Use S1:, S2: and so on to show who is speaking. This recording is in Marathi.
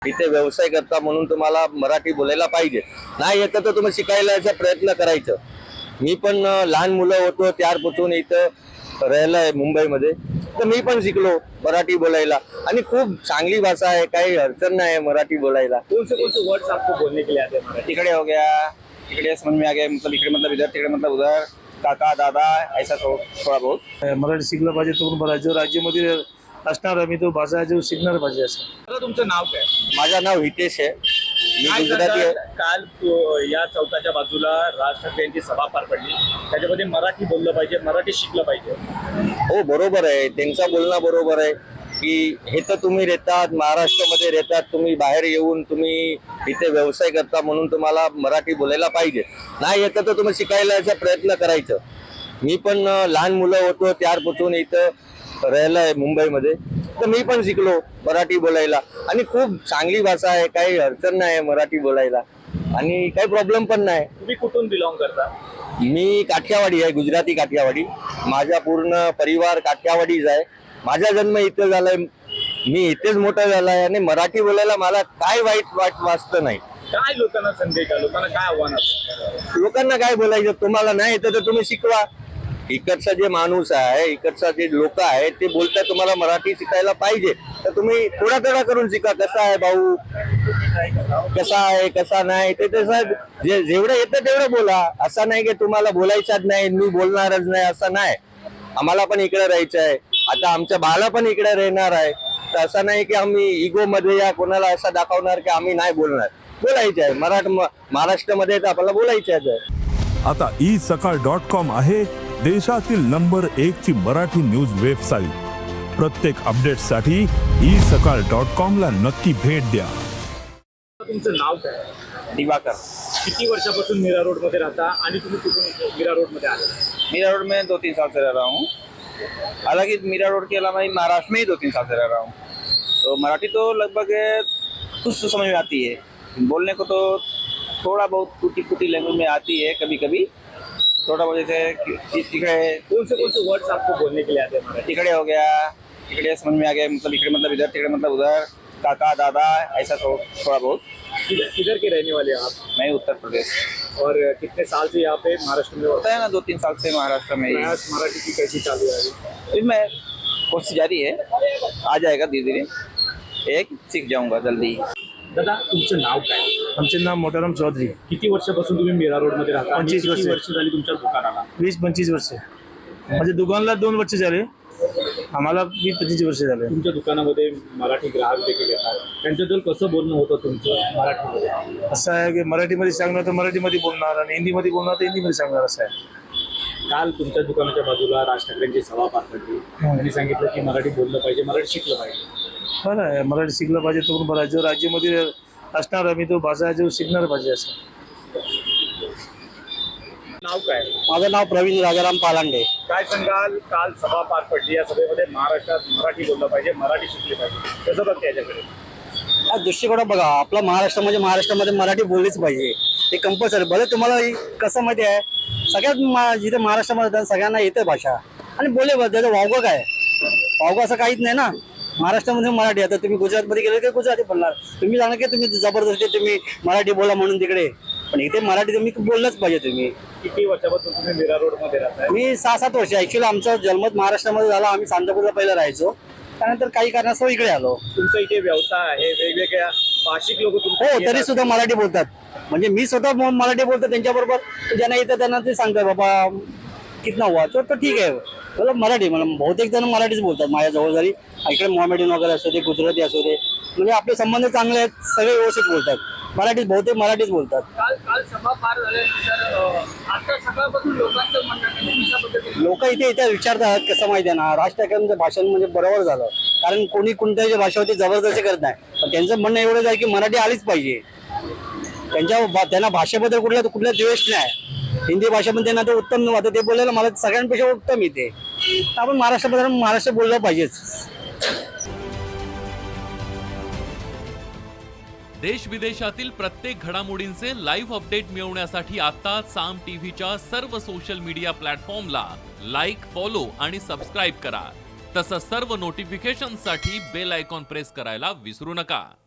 S1: इथे व्यवसाय करता म्हणून तुम्हाला मराठी बोलायला पाहिजे. नाही येतं तर तुम्ही शिकायला प्रयत्न करायचं. मी पण लहान मुलं होतो त्यापासून इथं राहिलोय मुंबईमध्ये, तर मी पण शिकलो मराठी बोलायला आणि खूप चांगली भाषा आहे, काही अडचण नाही मराठी बोलायला.
S2: कौन से वर्ड्स आपको बोलने के लिए आते हैं मराठी?
S1: इकडे हो गया, इकडे समझ में आ गया, मतलब इकडे मतलब इधर, तिकडे मतलब उधर, काका दादा ऐसा थोड़ा बहुत
S3: मराठी शिकलं पाहिजे. तो पण जो राज्यामध्ये असणार आम्ही तो भाषा जो शिकणार पाहिजे असं.
S2: दादा तुमचं नाव काय?
S1: माझं नाव हितेश आहे, मी
S2: काय
S1: गुजराती आहे.
S2: सांगाल? काल या चौकाच्या बाजूला राज ठाकरे यांची सभा पार पडली, त्याच्यामध्ये मराठी बोललं पाहिजे, मराठी शिकलं पाहिजे.
S1: हो बरोबर आहे, त्यांचं बोलणं बरोबर आहे की हे तर तुम्ही राहतात महाराष्ट्रामध्ये राहतात, तुम्ही बाहेर येऊन तुम्ही इथे व्यवसाय करता म्हणून तुम्हाला मराठी बोलायला पाहिजे. नाही येतं तर तुम्ही शिकायला प्रयत्न करायचं. मी पण लहान मुलं होतो त्यापासून इथं राहिलोय मुंबईमध्ये, तर मी पण शिकलो मराठी बोलायला आणि खूप चांगली भाषा आहे, काही अडचण नाही मराठी बोलायला आणि काही प्रॉब्लेम पण नाही.
S2: तुम्ही कुठून बिलॉंग करता?
S1: मी काठियावाडी आहे, गुजराती काठियावाडी. माझा पूर्ण परिवार काठियावाडीच आहे. माझा जन्म इथे झालाय, मी इथेच मोठा झालाय आणि मराठी बोलायला मला काय वाईट वाटतं नाही.
S2: काय लोकांना संदेश आहे, लोकांना काय आव्हान असतं?
S1: लोकांना काय बोलायचं, तुम्हाला नाही येतं तर तुम्ही शिकवा. इकडचा जे माणूस आहे, इकडचा जे लोक आहे ते बोलतात तुम्हाला मराठी शिकायला पाहिजे, तर तुम्ही थोडा थोडा करून शिका. कसा आहे भाऊ, कसा आहे कसा नाही ते तसं जेवढं येतं तेवढं बोला. असं नाही की तुम्हाला बोलायचंच नाही, मी बोलणारच नाही, असं नाही. आम्हाला पण इकडे राहायचं आहे, आता आमच्या बाला पण इकडे राहणार आहे, तर असं नाही की आम्ही इगो मध्ये या कोणाला असं दाखवणार की आम्ही नाही बोलणार. बोलायचं आहे, महाराष्ट्रामध्ये तर आपल्याला बोलायचं आहे.
S4: आता isakal.com आहे देशातील नंबर 1 ची मराठी न्यूज वेबसाईट. प्रत्येक अपडेटसाठी isakal.com ला नक्की भेट द्या.
S2: तुमचं नाव काय?
S1: दिवाकर.
S2: किती वर्षापासून मीरा रोड मध्ये राहता आणि तुम्ही कुठून मीरा रोड मध्ये आले?
S1: मीरा रोड में 2-3 साल से रह रहा हूँ. हालांकि मीरा रोड के अलावा महाराष्ट्र में ही 2-3 साल से रह रहा हूँ, तो मराठी तो लगभग कुछ तो समझ में आती है. बोलने को तो थोड़ा बहुत टूटी फूटी लैंग्वेज में आती है, कभी कभी थोड़ा बहुत. जैसे इकडे
S2: कौन से वर्ड्स आपको बोलने के लिए आते हैं मराठी?
S1: इकडे हो गया, इकडे समझ में आ गया, मतलब इकडे मतलब इधर, तिकडे मतलब उधर, काका दादा ऐसा थोड़ा बहुत.
S2: किधर के रहने वाले हैं आप?
S1: मैं उत्तर प्रदेश.
S2: और कितने साल से यहाँ पे महाराष्ट्र में
S1: होता है ना 2-3 साल से महाराष्ट्र में.
S2: प्रयास मराठी की कैसी चालू है अभी?
S1: इसमें कोशिश जारी है, आ जाएगा धीरे धीरे, एक सीख जाऊंगा जल्दी.
S2: दादा तुमचं नाव काय?
S3: आमचे नाव मोटाराम चौधरी.
S2: किती वर्षापासून तुम्ही मीरा रोड मध्ये राहता?
S3: 25
S2: किती
S3: वर्षे.
S2: वर्ष झाली तुमच्या दुकानाला?
S3: 20-25 वर्ष. म्हणजे दुकानला 2 वर्ष झाले, आम्हाला 20-25 वर्ष झाले.
S2: तुमच्या दुकानामध्ये मराठी ग्राहक देखील येतात, त्यांच्याबद्दल कसं बोलणं होतं तुमचं मराठीमध्ये?
S3: असं आहे की मराठीमध्ये सांगणार तर मराठीमध्ये बोलणार आणि हिंदीमध्ये बोलणार तर हिंदीमध्ये सांगणार असं आहे.
S2: काल तुमच्या दुकानाच्या बाजूला राज ठाकरेंची सभा पार पडली, त्यांनी सांगितलं की मराठी बोललं पाहिजे, मराठी शिकलं पाहिजे.
S3: बरं आहे, मराठी शिकलं पाहिजे. तो पण बरं आहे. जो राज्यामध्ये असणार आम्ही तो भाषा जो शिकणार पाहिजे असं.
S2: नाव काय?
S5: माझं नाव प्रवीण राजाराम पालांडे.
S2: काय सांगाल? काल सभा पार पडली, या सभेमध्ये महाराष्ट्रात मराठी बोललं पाहिजे, मराठी शिकली पाहिजे, कसं बघते याच्याकडे?
S5: हा दृष्टिकोन बघा, आपला महाराष्ट्र म्हणजे महाराष्ट्रामध्ये मराठी बोललीच पाहिजे, ते कंपल्सरी. भले तुम्हाला कसं माहिती आहे, सगळ्यात जिथे महाराष्ट्रामध्ये सगळ्यांना येते भाषा आणि बोले त्याचं वावगं काय, वावगं असं काहीच नाही ना. महाराष्ट्रामध्ये मराठी. आता तुम्ही गुजरातमध्ये गेले की गुजराती बोलणार, तुम्ही सांगा की तुम्ही जबरदस्ती तुम्ही मराठी बोला म्हणून तिकडे, पण इथे मराठी तुम्ही बोललंच पाहिजे. तुम्ही
S2: किती वर्षापासून तुम्ही मीरा रोड मध्ये राहताय?
S5: मी 6-7 वर्ष. ऍक्च्युअली आमचा जन्म महाराष्ट्रामध्ये झाला, आम्ही सांतापूरला पहिला राहायचो, त्यानंतर काही कारणास्तव इकडे आलो.
S2: तुमचा इथे व्यवसाय आहे, वेगवेगळ्या भाषिक लोक
S5: हो, तरी सुद्धा मराठी बोलतात. म्हणजे मी स्वतः मराठी बोलतो, त्यांच्याबरोबर ज्यांना येतं त्यांना ते सांगतात बाबा कितना हुआ तर ठीक आहे, मला मराठी. मला बहुतेक जण मराठीच बोलतात माझ्या जवळ. जरी इकडे मोहम्मडन वगैरे असू दे, गुजराती असू दे, म्हणजे आपले संबंध चांगले आहेत, सगळे व्यवस्थित बोलतात मराठीच, बहुतेक मराठीच बोलतात.
S2: काल सभा पार झाल्यानंतर आता सकाळपासून लोकांचं म्हणणं
S5: लोक इथे इथे विचारतात, कसं माहिती आहे ना, राज ठाकरेंचं भाषण म्हणजे बरोबर झालं, कारण कोणी कोणत्याही भाषेवरती जबरदस्ती करत नाही. पण त्यांचं म्हणणं एवढंच आहे की मराठी आलीच पाहिजे. त्यांना भाषेबद्दल कुठला द्वेष नाही. हिंदी भाषेमध्ये त्यांना ते उत्तम वाटतं, ते बोलायला मला सगळ्यांपेक्षा उत्तम येते. आपण महाराष्ट्रामध्ये महाराष्ट्र बोललं पाहिजेच.
S6: देश विदेशातील प्रत्येक घडामोडींचे लाईव्ह अपडेट मिळवण्यासाठी आता साम टीव्हीच्या सर्व सोशल मीडिया प्लॅटफॉर्मला लाईक, फॉलो आणि सबस्क्राईब करा. तसंच सर्व नोटिफिकेशनसाठी बेल आयकॉन प्रेस करायला विसरू नका.